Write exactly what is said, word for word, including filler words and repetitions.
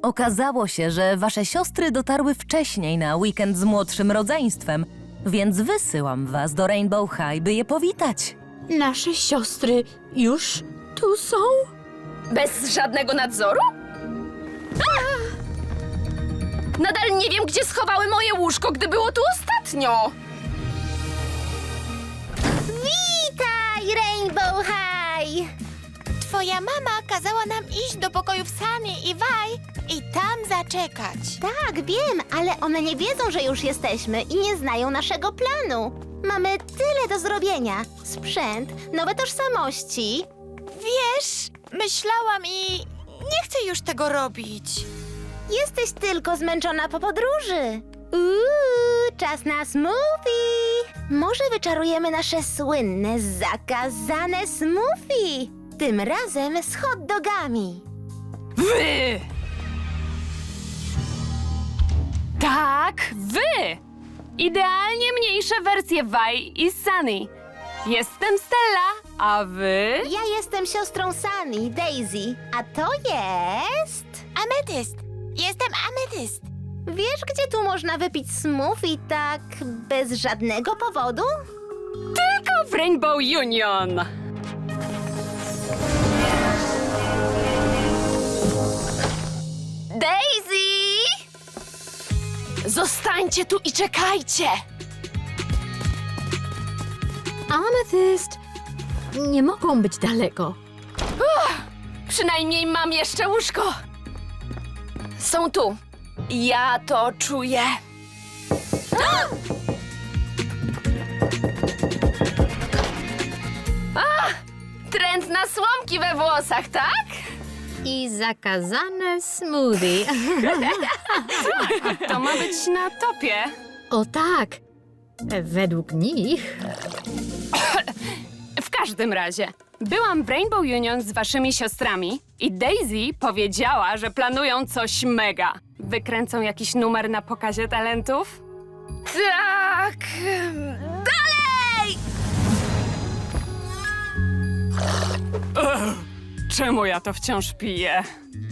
Okazało się, że wasze siostry dotarły wcześniej na weekend z młodszym rodzeństwem, więc wysyłam was do Rainbow High, by je powitać. Nasze siostry już tu są? Bez żadnego nadzoru? A! Nadal nie wiem, gdzie schowały moje łóżko, gdy było tu ostatnio. Witaj, Rainbow High! Twoja mama kazała nam iść do pokojów Sunny i Vi i tam zaczekać. Tak, wiem, ale one nie wiedzą, że już jesteśmy i nie znają naszego planu. Mamy tyle do zrobienia. Sprzęt, nowe tożsamości. Wiesz, myślałam i nie chcę już tego robić. Jesteś tylko zmęczona po podróży. Uuu, czas na smoothie. Może wyczarujemy nasze słynne, zakazane smoothie. Tym razem z hot dogami. Wy! Tak, wy! Idealnie mniejsze wersje Vi i Sunny. Jestem Stella, a wy? Ja jestem siostrą Sunny, Daisy, a to jest... Ametyst. Jestem Ametyst. Wiesz, gdzie tu można wypić smoothie tak bez żadnego powodu? Tylko w Rainbow Union. Daisy! Zostańcie tu i czekajcie! Amethyst, nie mogą być daleko. Przynajmniej mam jeszcze łóżko. Są tu. Ja to czuję. A! Trend na słomki we włosach, tak? I zakazane smoothie. To ma być na topie. O tak, według nich. W każdym razie, byłam w Rainbow Union z waszymi siostrami i Daisy powiedziała, że planują coś mega. Wykręcą jakiś numer na pokazie talentów? Tak! Dalej! Ugh, czemu ja to wciąż piję?